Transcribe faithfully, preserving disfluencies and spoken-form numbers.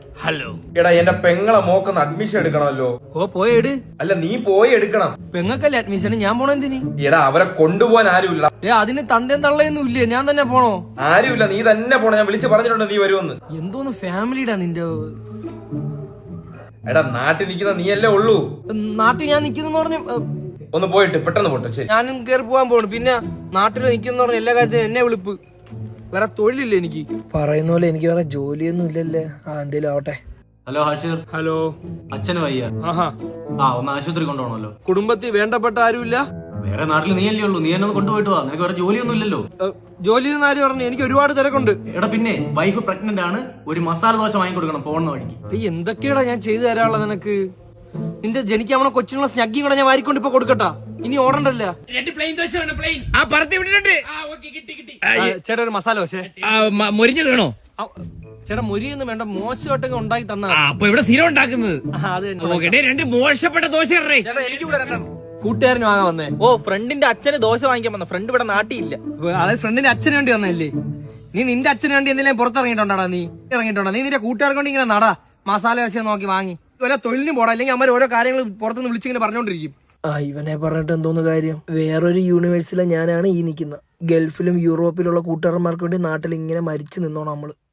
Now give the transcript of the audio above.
Hello എടാ എന്റെ പെങ്ങളെ മോക്കൊന്ന് അഡ്മിഷൻ എടുക്കണമല്ലോ. ഓ പോയെട്. അല്ല നീ പോയി എടുക്കണം. പെങ്ങക്കല്ലേ അഡ്മിഷൻ, ഞാൻ പോണോ എന്തിന്? എടാ അവരെ കൊണ്ടുപോകാൻ ആരുമില്ല. ഏ അതിന് തന്തയും തള്ളയൊന്നും ഇല്ലേ, ഞാൻ തന്നെ പോണോ? ആരുമില്ല, നീ തന്നെ പോണം. ഞാൻ വിളിച്ച് പറഞ്ഞിട്ടുണ്ട് നീ വരുമെന്ന്. എന്തോന്ന് ഫാമിലിടാ നിന്റെ. എടാ നാട്ടിൽ നിൽക്കുന്ന നീയല്ലേ ഉള്ളൂ. നാട്ടിൽ ഞാൻ നിക്കുന്നു പറഞ്ഞ ഒന്ന് പോയിട്ട് പെട്ടെന്ന് പോട്ടെ. ശരി, ഞാനും കയറി പോകാൻ പോണു. പിന്നെ നാട്ടിൽ നിക്കുന്ന പറഞ്ഞ എല്ലാ കാര്യത്തിനും എന്നെ വിളിപ്പ്. വേറെ തൊഴിലില്ല എനിക്ക്. പറയുന്ന പോലെ എനിക്ക് വേറെ ജോലിയൊന്നും ഇല്ലല്ലേ. ആ എന്തേലും ആവട്ടെ. ഹലോ ഹാഷിർ. ഹലോ. അച്ഛന് വയ്യ. ആഹാ. ആ ഒന്ന് ആശുപത്രി കൊണ്ടുപോകണമല്ലോ. കുടുംബത്തിൽ വേണ്ടപ്പെട്ട ആരുമില്ല. വേറെ നാട്ടിൽ നീയല്ലേ ഉള്ളൂ, നീ എന്നെ ഒന്ന് കൊണ്ടുപോയിട്ട് വാ. നിനക്ക് വേറെ ജോലിയൊന്നും ഇല്ലല്ലോ. ജോലി ആര് പറഞ്ഞു? എനിക്ക് ഒരുപാട് തിരക്കുണ്ട്. എടാ പിന്നെ വൈഫ് പ്രഗ്നന്റ് ആണ്, ഒരു മസാല ദോശ വാങ്ങി കൊടുക്കണം പോകുന്ന വഴിക്ക്. ഈ എന്തൊക്കെയാടാ ഞാൻ ചെയ്തു തരാനുള്ളത് നിനക്ക്? നിന്റെ ജനിക്കാമണ കൊച്ചിനുള്ള സ്നഗ്ഗി കൂടെ ഞാൻ വാരിക്കൊണ്ട് ഇപ്പൊ കൊടുക്കട്ടാ. ഇനി ഓടണ്ടല്ല. ചേട്ടാ ഒരു മസാല ദോശ. മൊരിഞ്ഞത് വേണോ? ചേട്ടാ മൊരിയൊന്നും വേണ്ട, മോശമായിട്ടൊക്കെ ഉണ്ടാക്കി തന്നാ. അപ്പൊ ഇവിടെ സ്ഥിരം ഉണ്ടാക്കുന്നത്. അത് തന്നെ. രണ്ട് മോശപ്പെട്ട ദോശ എനിക്ക് കൂട്ടുകാരന് വാങ്ങാൻ വന്നേ. ഓ ഫ്രണ്ടിന്റെ അച്ഛന് ദോശ വാങ്ങിക്കാൻ വന്ന. ഫ്രണ്ട് ഇവിടെ നാട്ടിയില്ല. അതായത് ഫ്രണ്ടിന്റെ അച്ഛന് വേണ്ടി വന്നല്ലേ. നീ നിന്റെ അച്ഛന് വേണ്ടി എന്തെങ്കിലും പുറത്തിറങ്ങിയിട്ടുണ്ടാ? നീ ഇറങ്ങിയിട്ടുണ്ടോ? നീ നിന്റെ കൂട്ടുകാർക്ക് കൊണ്ട് ഇങ്ങനെ നടാ മസാല ദോശ നോക്കി വാങ്ങി വല്ല തൊഴിലിനും പോടാ. അല്ലെങ്കിൽ അമ്മ ഓരോ കാര്യങ്ങൾ പുറത്തുനിന്ന് വിളിച്ചിങ്ങനെ പറഞ്ഞോണ്ടിരിക്കും. ആ ഇവനെ പറഞ്ഞിട്ട് എന്തോന്ന് കാര്യം. വേറൊരു യൂണിവേഴ്സിലെ ഞാനാണ് ഈ നിൽക്കുന്നത്. ഗൾഫിലും യൂറോപ്പിലുള്ള കൂട്ടുകാരന്മാർക്ക് വേണ്ടി നാട്ടിൽ ഇങ്ങനെ മരിച്ചു നിന്നോണം നമ്മള്.